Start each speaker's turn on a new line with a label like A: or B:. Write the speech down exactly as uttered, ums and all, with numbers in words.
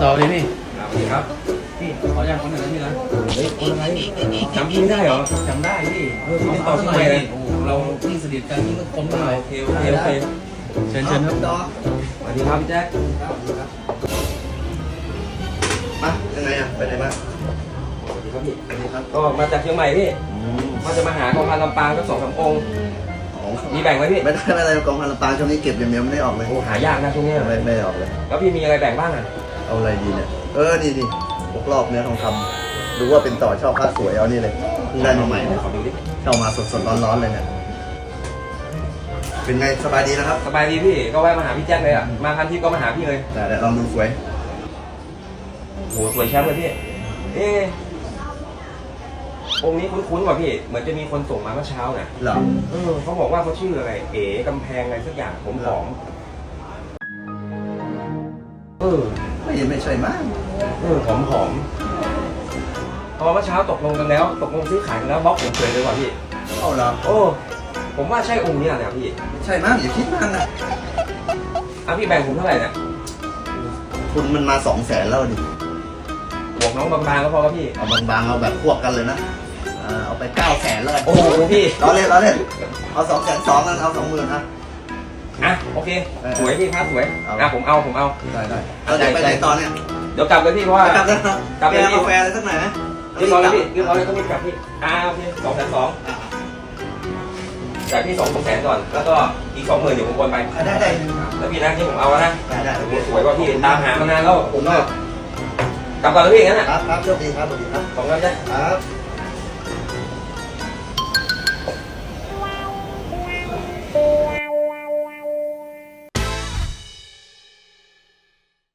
A: ต่อเลยพี่
B: ครับสวัสดีครับ
A: พี่ขออนุญาตคนหนึ่งนะพี่นะ
B: เฮ้ยคนอะไรจำพี่ไม่ได้เหรอ
A: จำได้พี่
B: เออพี่ติดต่อที่ไหนเลย
A: โอ้เราพี่สนิทกันนี่ก็คนหน่อย
B: โอเคโอเคโอเค
A: เชิญเชิญครับ
B: สวัสดีครับพี่แจ๊ค
C: มายังไงอ่ะไปไหนมา
B: สวัสดีครับพี่
C: สวัสดีครับ
B: ก็มาจากเชียงใหม่พี่
C: อืม
B: ว่าจะมาหากองพันลำปางสักสองสามองค์มีแบ่งไหมพี่
C: ไม่ได้ไม่ได้กองพันลำปางช่วงนี้เก็บอย่างเดียวไม่ได้ออกเลย
B: โอ้หายากนะช่วงนี้
C: ไม่ไม่ได้ออกเลย
B: แล้วพี่มีอะไรแบ่งบ้างอ่ะ
C: เอาอะไรดีเนี่ยเออนี่นี่พวกรอบเนื้อทองคำดูว่าเป็นต่อชอบผ้าสวยเอานี่เลยเพิ่งได้มาใหม่เนี่ย
B: ขอดูดิ
C: เข้ามาสดสดร้อนร้อนๆเลยเนี่ยเป็นไงสบายดีนะครับ
B: สบายดีพี่ก็แวะมาหาพี่แจ๊คเลยอ่ะมาคันที่ก็มาหาพี่เลย
C: แต่แต่ลองดูสวย
B: โหสวยแชมป์เลยพี่เอ๊ะองค์นี้คุ้นๆว่ะพี่เหมือนจะมีคนส่งมาเมื่อเช้าน่ะ
C: เหรอ
B: เออเขาบอกว่าเขาชื่ออะไรเอ๋กำแพงอะไรสักอย่างผมหอมเออ
C: ไม่ไม่ใช่มาก
B: เออหอมหอมพอเมื่อเช้าตกลงกันแล้วตกลงซื้อขายกันแล้วบล็อกผมเฉยเลยว่ะพี่
C: เอาเหรอ
B: โอ้ผมว่าใช่องค์นี้แหละพี่
C: ไม่ใช่มากอย่าคิดมากนะ
B: อ่ะพี่แบ่งผมเท่าไหร่เนี่ย
C: ทุนมันมาสองแสนแล้วดิ
B: บวกน้องบางๆก็พอครับพี่
C: เอาบางๆเอาแบบพวกกันเลยนะอ่าเอาไปเก้าแสนเลย
B: โอ้โหพี่
C: ล้อเล่นล้อเล่นเอาสองแสนสองกันเอาสองหมื่นนะ
B: อ่ะโอเคสวยพี่ครับสวย
C: เอา
B: อ่ะผมเอาผมเอา
C: ได้ได้เราจะไปไหนต่อเนี่ย
B: เดี๋ยวกลับเลยพี่เพราะว่า
C: กลับแล้วนะ
B: กลับเลยพี่
C: กาแฟอะไรสักหน่อยไหม
B: เรียบร้อยแล้วพี่เรียบร้อยแล้วก็รีบกลับพี่อ่าโอเคสองแสนสองจ่ายพี่สองแสนก่อนแล้วก็อีกสองหมื่นเดี๋ยวผมโอนไป
C: อ่ะได้ได้
B: แล้วพี่นะที่ผมเอาแล้วนะ
C: ได้ได้
B: โอ้โหสวยว่าพี่ตามหามานานแล้วผมก็กลับก่อนแล้วพี่งั้นน่ะ
C: ครับครับโชคดีครับสวัสดีครับ
B: ขอบคุณครับ
C: ครับ